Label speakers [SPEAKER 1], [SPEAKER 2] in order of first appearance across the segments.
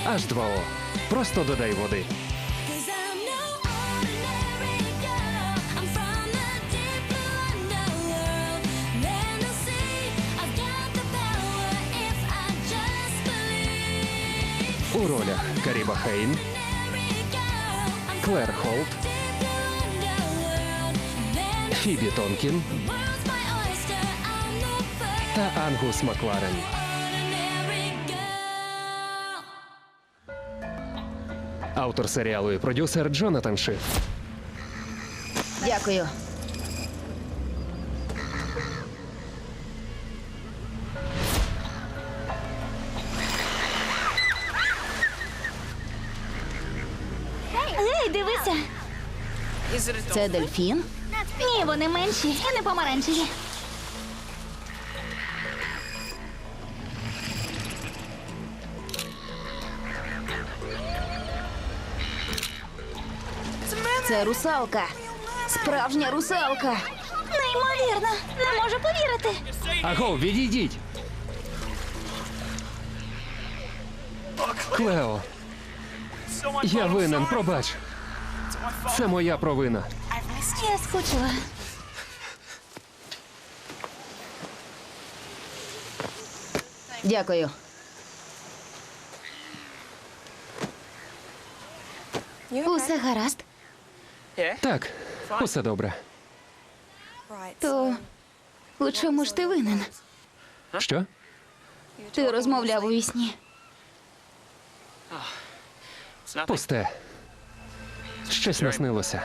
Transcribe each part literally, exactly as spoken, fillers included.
[SPEAKER 1] ейч два о. Просто додай води.
[SPEAKER 2] Cause I'm no ordinary girl. I'm from the deep blue underworld. Then they'll see I've got the power if I just believe.
[SPEAKER 1] У ролях Каріба Хейн,
[SPEAKER 2] Ordinary girl. I'm
[SPEAKER 1] Клер Холт,
[SPEAKER 2] deep blue underworld. Then they'll
[SPEAKER 1] Фібі Тонкін
[SPEAKER 2] see world's my oyster. I'm the first
[SPEAKER 1] та Ангус Макларен.
[SPEAKER 2] ordinary girl.
[SPEAKER 1] Автор серіалу і продюсер Джонатан Шиф.
[SPEAKER 3] Дякую.
[SPEAKER 4] Ей, дивися!
[SPEAKER 3] Це дельфін?
[SPEAKER 4] Ні, вони менші і не помаранчеві.
[SPEAKER 3] Це русалка. Справжня русалка.
[SPEAKER 4] Неймовірно! Не можу повірити.
[SPEAKER 1] Аго, відійдіть! Клео, я винен, пробач. Це моя провина.
[SPEAKER 4] Я скучила.
[SPEAKER 3] Дякую.
[SPEAKER 4] Усе гаразд.
[SPEAKER 1] Так, усе добре.
[SPEAKER 4] То у чому ж ти винен?
[SPEAKER 1] Що?
[SPEAKER 4] Ти розмовляв у вісні.
[SPEAKER 1] Пусте. Щось наснилося.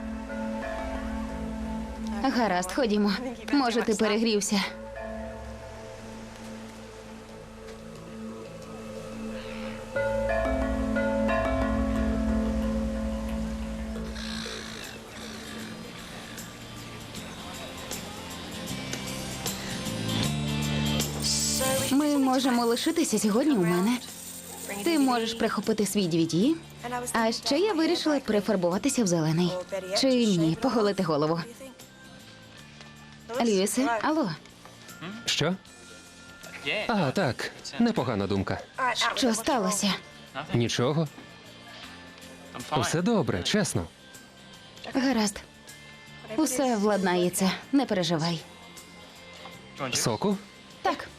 [SPEAKER 4] Гаразд, ходімо. Може, ти перегрівся. Ми можемо лишитися сьогодні у мене. Ти можеш прихопити свій ді ві ді. А ще я вирішила перефарбуватися в зелений. Чи ні, поголити голову. Льюісе, алло,
[SPEAKER 1] Що? А, так, непогана думка.
[SPEAKER 4] що сталося?
[SPEAKER 1] Нічого. Усе добре, чесно.
[SPEAKER 4] Гаразд. Усе владнається, не переживай.
[SPEAKER 1] Соку?
[SPEAKER 4] Так.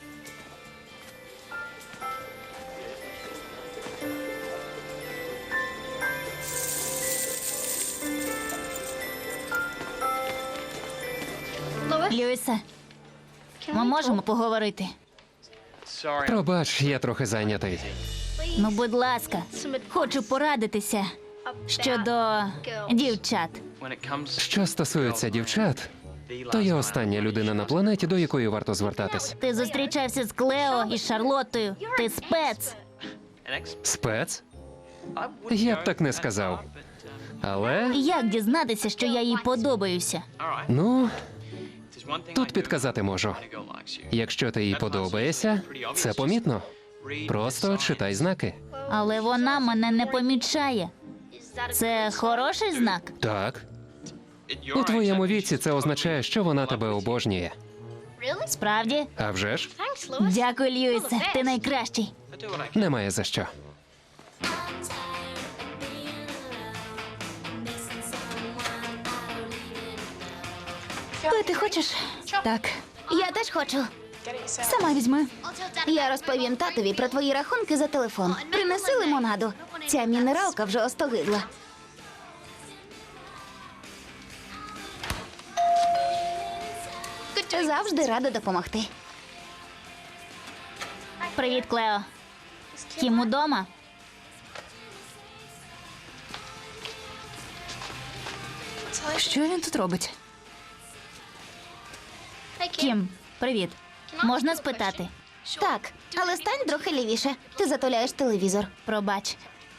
[SPEAKER 4] Льюісе, ми можемо поговорити?
[SPEAKER 1] Пробач, я трохи зайнятий.
[SPEAKER 4] Ну, будь ласка, хочу порадитися щодо дівчат.
[SPEAKER 1] Що стосується дівчат, то я остання людина на планеті, до якої варто звертатись.
[SPEAKER 4] Ти зустрічався з Клео і Шарлоттою. Ти спец.
[SPEAKER 1] Спец? Я б так не сказав. Але,
[SPEAKER 4] Як дізнатися, що я їй подобаюся?
[SPEAKER 1] ну, тут підказати можу. Якщо ти їй подобаєшся, це помітно. Просто читай знаки.
[SPEAKER 4] Але вона мене не помічає. Це хороший знак?
[SPEAKER 1] Так. У твоєму віці це означає, що вона тебе обожнює.
[SPEAKER 4] Справді?
[SPEAKER 1] А вже ж?
[SPEAKER 4] Дякую, Льюісе. Ти найкращий.
[SPEAKER 1] Немає за що.
[SPEAKER 4] Пити хочеш? Так. Я теж хочу. Сама візьми. Я розповім татові про твої рахунки за телефон. Принеси лимонаду. Ця мінералка вже остогидла. Завжди рада допомогти. Привіт, Клео. Кім удома? Що він тут робить? Кім, привіт. Можна спитати? Так, але стань трохи лівіше. Ти затуляєш телевізор. Пробач.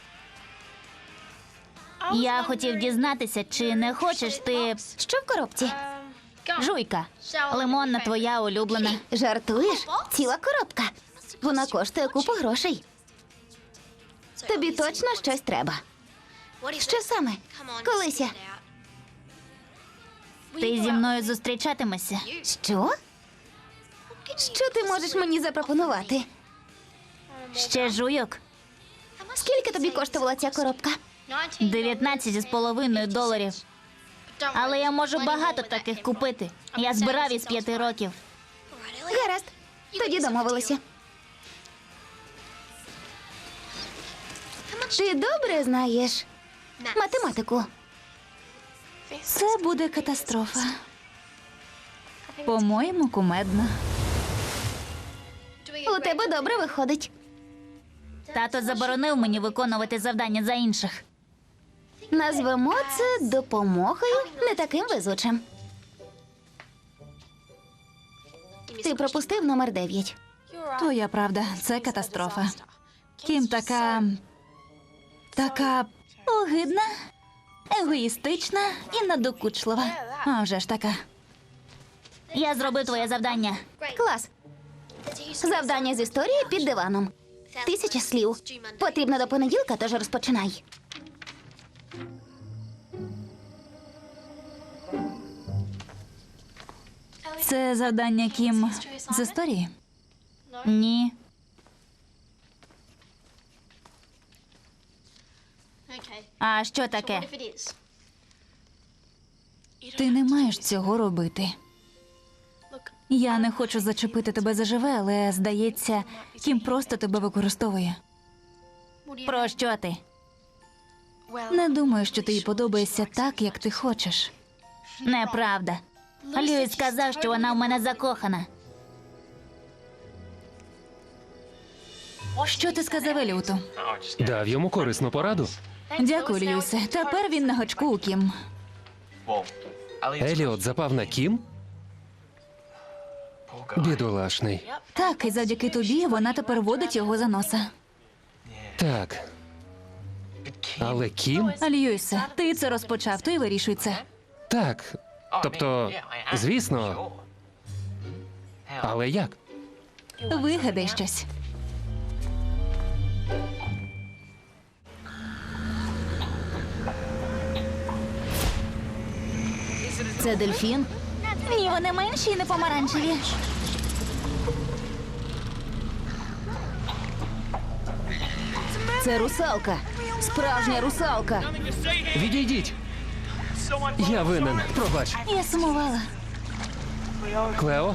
[SPEAKER 4] Я хотів дізнатися, чи не хочеш ти. Що в коробці? Жуйка. Лимонна твоя улюблена. Жартуєш? Ціла коробка. Вона коштує купу грошей. Тобі точно щось треба. Що саме? Колися. Ти зі мною зустрічатимешся? Що? Що ти можеш мені запропонувати? Ще жуйок.
[SPEAKER 3] Скільки тобі коштувала ця коробка?
[SPEAKER 4] дев'ятнадцять з половиною доларів. Але я можу багато таких купити. Я збирав із п'яти років.
[SPEAKER 3] Гаразд, тоді домовилися. Ти добре знаєш математику?
[SPEAKER 4] Це буде катастрофа. По-моєму, кумедно.
[SPEAKER 3] У тебе добре виходить.
[SPEAKER 4] Тато заборонив мені виконувати завдання за інших.
[SPEAKER 3] Назвемо це допомогою не таким везучим. Ти пропустив номер дев'ять.
[SPEAKER 5] Твоя правда, це катастрофа. Кім така. така огидна, егоїстична і надокучлива. А вже ж така.
[SPEAKER 4] Я зробив твоє завдання.
[SPEAKER 3] Клас. Завдання з історії під диваном. Тисяча слів. Потрібно до понеділка, тож розпочинай.
[SPEAKER 5] Це завдання Кім з історії.
[SPEAKER 4] Ні. А що таке?
[SPEAKER 5] Ти не маєш цього робити. Я не хочу зачепити тебе заживе, але здається, Кім просто тебе використовує.
[SPEAKER 4] Про що ти?
[SPEAKER 5] Не думаю, що ти їй подобаєшся так, як ти хочеш.
[SPEAKER 4] Неправда. Льюіс сказав, що вона в мене закохана.
[SPEAKER 5] Що ти сказав Еліоту?
[SPEAKER 1] Дав йому корисну пораду.
[SPEAKER 5] Дякую, Льюісе. Тепер він на гачку у Кім.
[SPEAKER 1] Еліот запав на Кім? Бідолашний.
[SPEAKER 5] Так, і завдяки тобі вона тепер водить його за носа.
[SPEAKER 1] Так. Але Кім?
[SPEAKER 5] Льюісе, ти це розпочав, то й вирішуй це.
[SPEAKER 1] Так. Тобто, звісно. Але як?
[SPEAKER 5] Вигадай щось.
[SPEAKER 3] Це дельфін?
[SPEAKER 4] Ні, вони менші і не помаранчеві.
[SPEAKER 3] Це русалка. Справжня русалка.
[SPEAKER 1] Відійдіть! Я винен. Пробач.
[SPEAKER 5] Я сумувала.
[SPEAKER 1] Клео?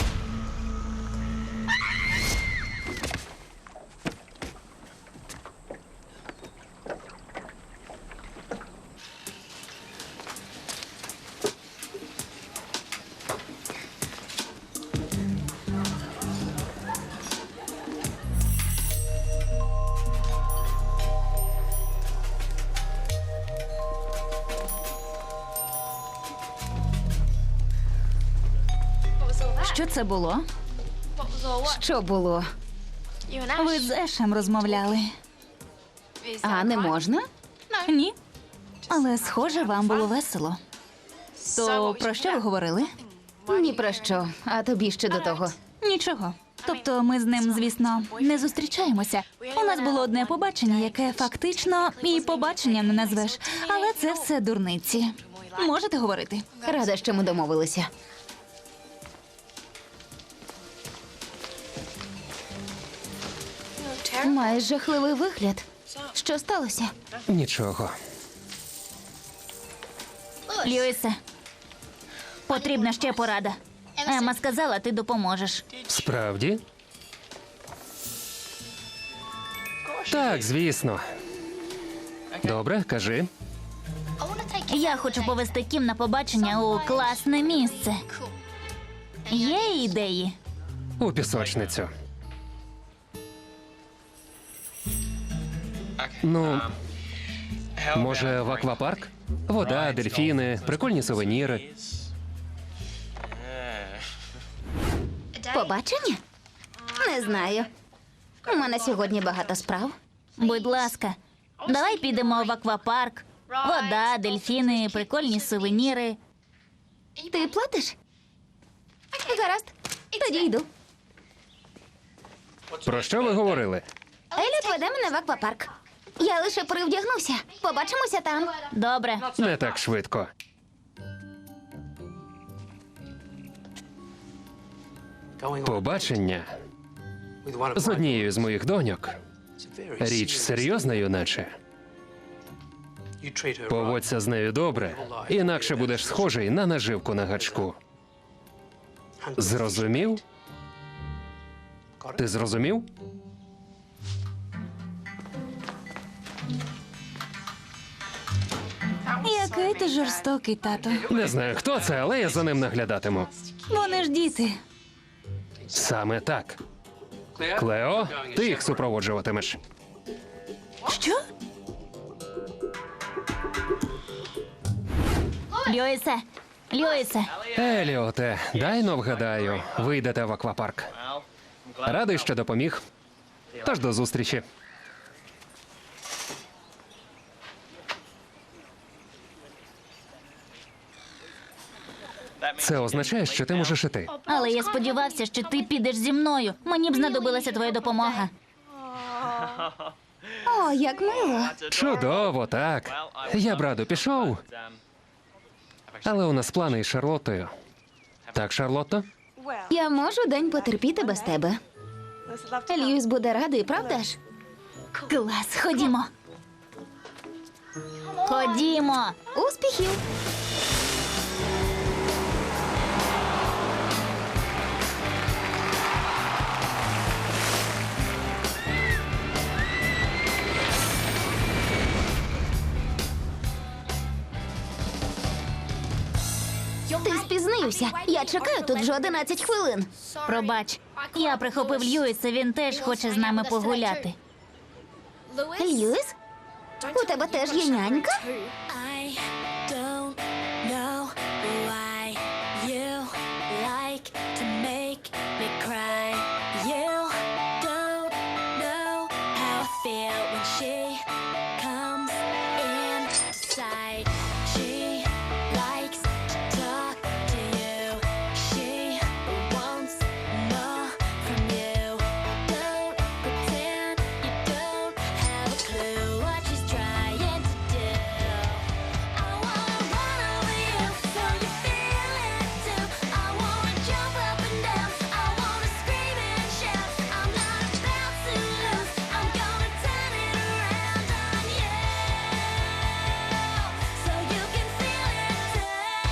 [SPEAKER 5] Що це було?
[SPEAKER 3] Що було?
[SPEAKER 5] Ви з Ешем розмовляли.
[SPEAKER 3] А не можна?
[SPEAKER 5] Ні. Але, схоже, вам було весело. То про що ви говорили?
[SPEAKER 3] Ні про що. А тобі ще до того.
[SPEAKER 5] Нічого. Тобто ми з ним, звісно, не зустрічаємося. У нас було одне побачення, яке фактично і побаченням не назвеш. Але це все дурниці. Можете говорити?
[SPEAKER 3] Рада, що ми домовилися. Маєш жахливий вигляд. Що сталося?
[SPEAKER 1] Нічого.
[SPEAKER 4] Льюісе, потрібна ще порада. Ема сказала, ти допоможеш.
[SPEAKER 1] Справді? Так, звісно. Добре, кажи.
[SPEAKER 4] Я хочу повести Кім на побачення у класне місце. Є ідеї?
[SPEAKER 1] У пісочницю. Ну, може, в аквапарк? Вода, дельфіни, прикольні сувеніри.
[SPEAKER 3] Побачення? Не знаю. У мене сьогодні багато справ.
[SPEAKER 4] Будь ласка, давай підемо в аквапарк. Вода, дельфіни, прикольні сувеніри.
[SPEAKER 3] Ти платиш? Гаразд. Тоді йду.
[SPEAKER 1] Про що ви говорили?
[SPEAKER 3] Еліот веде мене в аквапарк. Я лише перевдягнуся. Побачимося там.
[SPEAKER 4] Добре.
[SPEAKER 1] Не так швидко. Побачення з однією з моїх доньок Річ серйозна, юначе. Поводься з нею добре, інакше будеш схожий на наживку на гачку. Зрозумів? Ти зрозумів?
[SPEAKER 5] Який ти жорстокий, тато.
[SPEAKER 1] Не знаю, хто це, але я за ним наглядатиму.
[SPEAKER 5] Вони ж діти.
[SPEAKER 1] Саме так. Клео, ти їх супроводжуватимеш.
[SPEAKER 5] Що?
[SPEAKER 4] Льюісе, Льюісе,
[SPEAKER 1] Еліоте, дай но вгадаю, вийдете в аквапарк. Радий, що допоміг. Тож до зустрічі. Це означає, що ти можеш іти.
[SPEAKER 4] але я сподівався, що ти підеш зі мною. Мені б знадобилася твоя допомога.
[SPEAKER 3] О, як мило.
[SPEAKER 1] Чудово, так. Я б радо пішов, але у нас плани із Шарлоттою. Так, Шарлотто?
[SPEAKER 3] Я можу день потерпіти без тебе. Льюіс буде радий, правда ж?
[SPEAKER 4] Клас, ходімо. Ходімо.
[SPEAKER 3] Успіхів! Ти спізнився. Я чекаю тут вже одинадцять хвилин.
[SPEAKER 4] Пробач, я прихопив Льюіса, він теж хоче з нами погуляти.
[SPEAKER 3] Льюіс? У тебе теж є нянька?
[SPEAKER 2] I don't know why you like to make me cry. You don't know how I feel when she comes inside. She likes to talk to you. She wants more from you. Don't pretend you don't have a clue what she's trying to do. I wanna run over you so you feel it too. I wanna jump up and down. I wanna scream and shout. I'm not about to lose. I'm gonna turn it around on you so you can feel it too.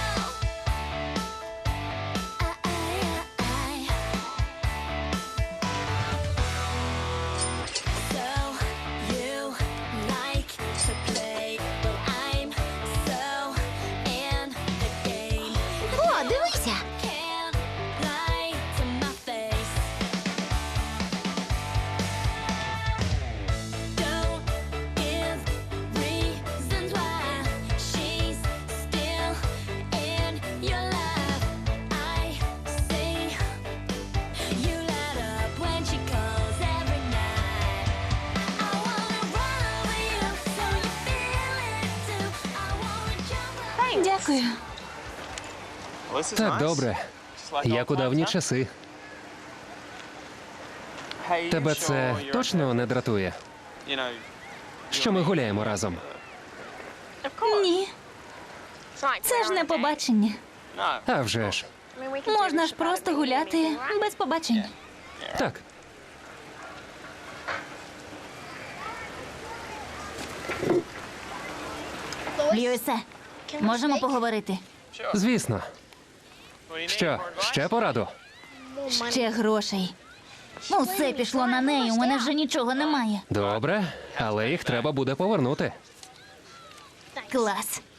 [SPEAKER 2] I, I, I. So you like to play, well I'm so in the game.
[SPEAKER 3] О, дивися!
[SPEAKER 2] Can't lie to my face. Don't give reasons why she's still in your life. I see you light up when she calls every night. I wanna run over you so you feel it too. I wanna jump up.
[SPEAKER 5] Дякую.
[SPEAKER 1] Так, добре. Як у давні часи. Тебе це точно не дратує, що ми гуляємо разом?
[SPEAKER 5] Ні, це ж не побачення.
[SPEAKER 1] А вже ж.
[SPEAKER 5] Можна ж просто гуляти без побачень.
[SPEAKER 1] Так.
[SPEAKER 4] Льюісе, можемо поговорити?
[SPEAKER 1] Звісно. Що, ще пораду?
[SPEAKER 4] Ще грошей. Усе пішло на неї, у мене вже нічого немає.
[SPEAKER 1] Добре, але їх треба буде повернути.
[SPEAKER 4] Клас.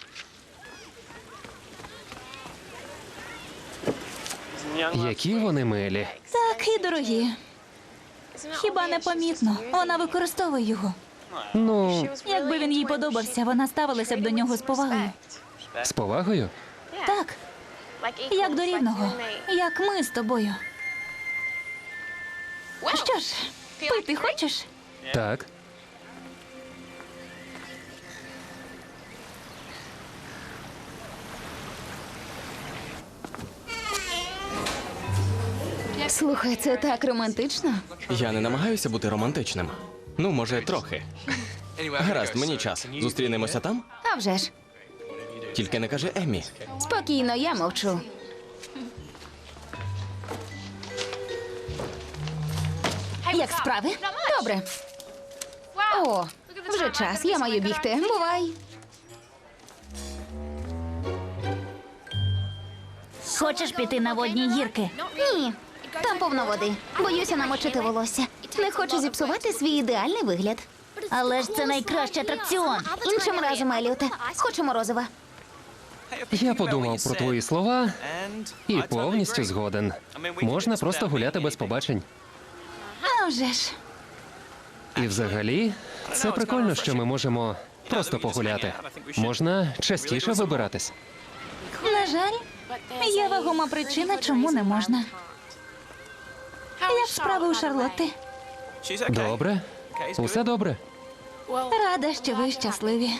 [SPEAKER 1] Які вони милі.
[SPEAKER 5] Так, і дорогі. Хіба не помітно? Вона використовує його.
[SPEAKER 1] Ну,
[SPEAKER 5] Якби він їй подобався, вона ставилася б до нього з повагою.
[SPEAKER 1] з повагою?
[SPEAKER 5] Так, як до рівного, як ми з тобою. Що ж, пити хочеш?
[SPEAKER 1] Так.
[SPEAKER 3] Слухай, це так романтично.
[SPEAKER 6] Я не намагаюся бути романтичним. Ну, може, трохи. Гаразд, мені час. Зустрінемося там?
[SPEAKER 3] А вже ж.
[SPEAKER 6] Тільки не кажи Еммі.
[SPEAKER 3] Спокійно, я мовчу.
[SPEAKER 4] Як справи?
[SPEAKER 3] Добре. О, вже час, я маю бігти. Бувай.
[SPEAKER 4] Хочеш піти на водні гірки?
[SPEAKER 3] Ні, там повно води. Боюся намочити волосся. Не хочу зіпсувати свій ідеальний вигляд.
[SPEAKER 4] Але ж це найкращий атракціон.
[SPEAKER 3] Іншим разом, Еліоте. Хочу морозива.
[SPEAKER 1] Я подумав про твої слова і повністю згоден. Можна просто гуляти без побачень.
[SPEAKER 5] А вже ж.
[SPEAKER 1] І взагалі, це прикольно, що ми можемо просто погуляти. Можна частіше вибиратись.
[SPEAKER 5] На жаль, є вагома причина, чому не можна. Як справи у Шарлотти?
[SPEAKER 1] Добре? Усе добре?
[SPEAKER 5] Рада, що ви щасливі.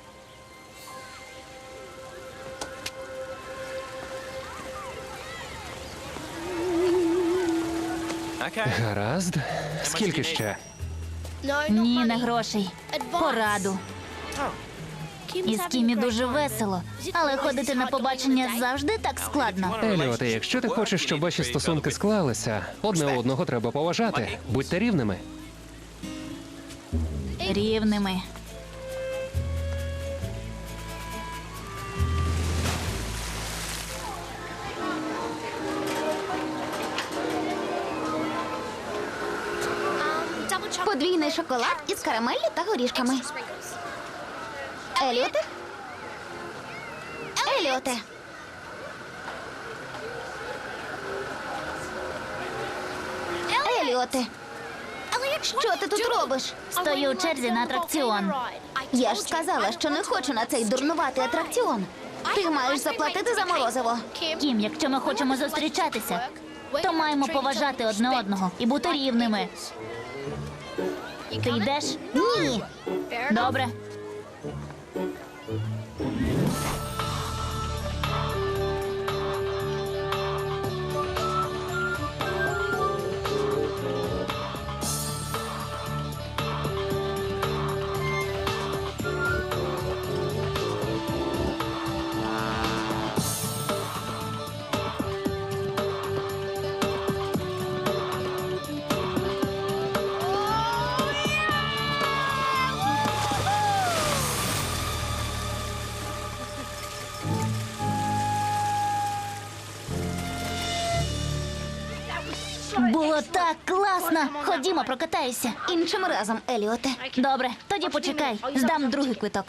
[SPEAKER 1] Гаразд. Скільки ще?
[SPEAKER 4] Ні, не грошей. Пораду. Із Кімі дуже весело, але ходити на побачення завжди так складно.
[SPEAKER 1] Еліоте, якщо ти хочеш, щоб ваші стосунки склалися, одне одного треба поважати. Будьте рівними.
[SPEAKER 4] Рівними.
[SPEAKER 3] Подвійний шоколад із карамеллю та горішками. Еліоте? Еліоте. Еліоте. Що ти тут робиш?
[SPEAKER 4] Стою у черзі на атракціон.
[SPEAKER 3] Я ж сказала, що не хочу на цей дурнуватий атракціон. Ти маєш заплатити за морозиво.
[SPEAKER 4] Кім, якщо ми хочемо зустрічатися, то маємо поважати одне одного і бути рівними. Ти йдеш?
[SPEAKER 3] Ні.
[SPEAKER 4] Добре. Було так класно. Ходімо, прокатаюся.
[SPEAKER 3] Іншим разом, Еліоте.
[SPEAKER 4] Добре, тоді почекай. Здам другий квиток.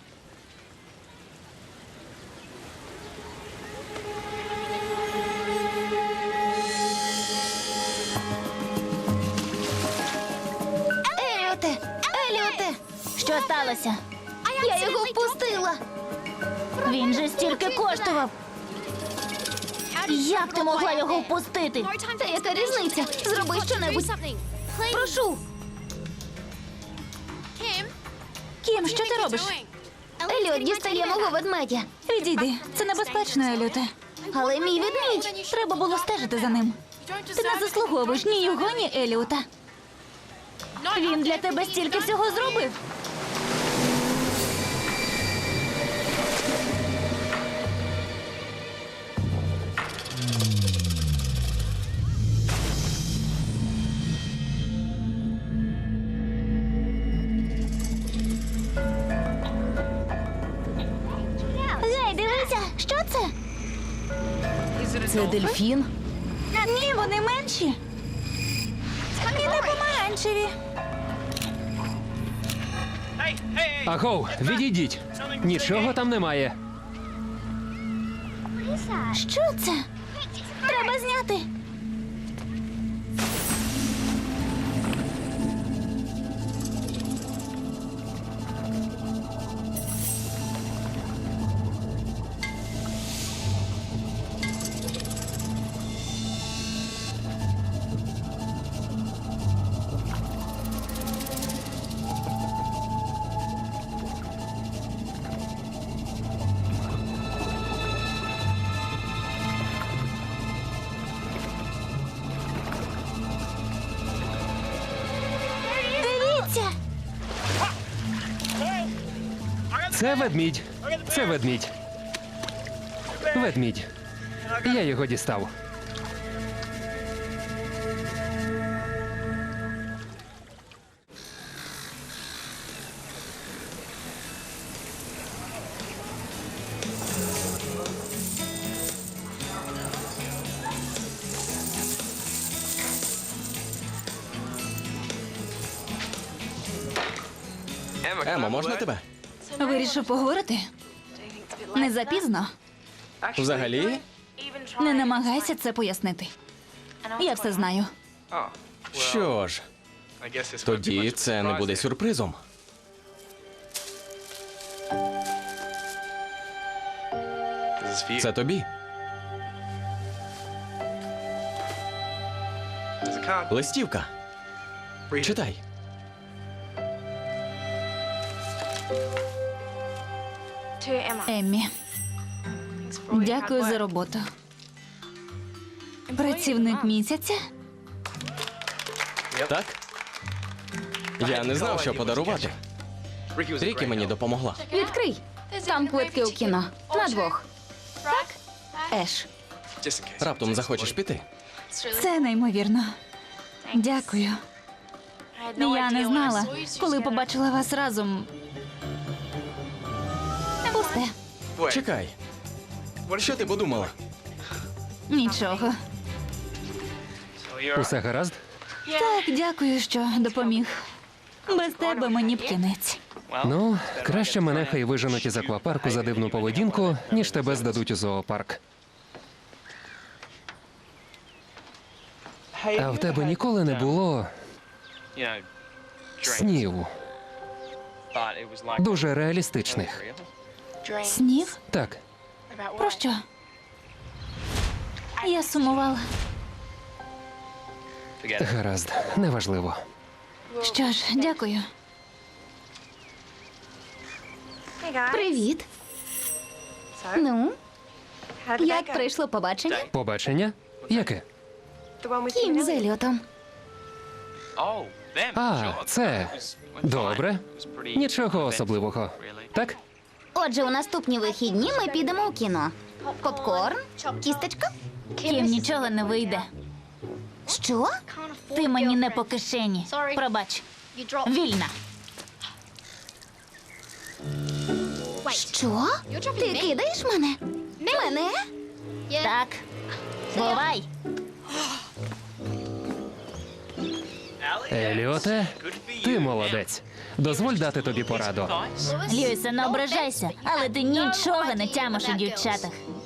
[SPEAKER 3] Еліоте! Еліоте!
[SPEAKER 4] Що сталося?
[SPEAKER 3] Я його впустила.
[SPEAKER 4] Він же стільки коштував. Як ти могла його впустити?
[SPEAKER 3] Та яка різниця? Зроби щонебудь. Прошу.
[SPEAKER 5] Кім, що ти робиш?
[SPEAKER 3] Еліот дістає мого ведмедя.
[SPEAKER 5] Відійди, це небезпечно, Еліоте.
[SPEAKER 3] Але мій ведмідь.
[SPEAKER 5] Треба було стежити за ним. Ти не заслуговуєш ні його, ні Еліота. Він для тебе стільки всього зробив.
[SPEAKER 4] Гей, дивися, що це?
[SPEAKER 3] Це дельфін?
[SPEAKER 5] Ні, вони менші. І не помаранчеві.
[SPEAKER 1] Агов, відійдіть. Нічого там немає.
[SPEAKER 4] Що це? Треба зняти. Дивіться.
[SPEAKER 1] Це ведмідь. Це ведмідь. Ведмідь. Я його дістав.
[SPEAKER 6] Емо, можна тебе?
[SPEAKER 5] Вирішив поговорити? Не запізно.
[SPEAKER 6] Взагалі?
[SPEAKER 5] Не намагайся це пояснити. Я все знаю.
[SPEAKER 6] Що ж, тоді це не буде сюрпризом. Це тобі. Листівка. Читай.
[SPEAKER 5] Еммі, дякую за роботу. Працівник місяця?
[SPEAKER 6] Так? Я не знав, що подарувати. Рікі мені допомогла.
[SPEAKER 3] Відкрий. Там квитки у кіно. На двох. Так? Еш.
[SPEAKER 6] Раптом захочеш піти.
[SPEAKER 5] Це неймовірно. Дякую. Я не знала, коли побачила вас разом.
[SPEAKER 3] Пусте.
[SPEAKER 6] Чекай. Що ти подумала?
[SPEAKER 5] Нічого.
[SPEAKER 1] Усе гаразд?
[SPEAKER 5] Так, дякую, що допоміг. Без тебе мені б кінець.
[SPEAKER 1] Ну, краще мене хай виженуть із аквапарку за дивну поведінку, ніж тебе здадуть у зоопарк. А в тебе ніколи не було снів дуже реалістичних.
[SPEAKER 5] Снів?
[SPEAKER 1] Так,
[SPEAKER 5] Про що? Я сумувала.
[SPEAKER 1] гаразд, неважливо.
[SPEAKER 5] Що ж, дякую.
[SPEAKER 3] Привіт. Ну, як пройшло побачення?
[SPEAKER 1] Побачення? Яке?
[SPEAKER 3] Кім з Еліотом.
[SPEAKER 1] А, це добре. Нічого особливого. Так?
[SPEAKER 3] Отже, у наступні вихідні ми підемо у кіно. Попкорн? Кістечка?
[SPEAKER 4] Кім нічого не вийде.
[SPEAKER 3] Що?
[SPEAKER 4] Ти мені не по кишені. Пробач. Вільна.
[SPEAKER 3] Що? Ти кидаєш мене? Мене?
[SPEAKER 4] Так. Бувай.
[SPEAKER 1] Еліоте, ти молодець. Дозволь дати тобі пораду.
[SPEAKER 4] Льюісе, не ображайся, але ти нічого не тямиш у дівчатах.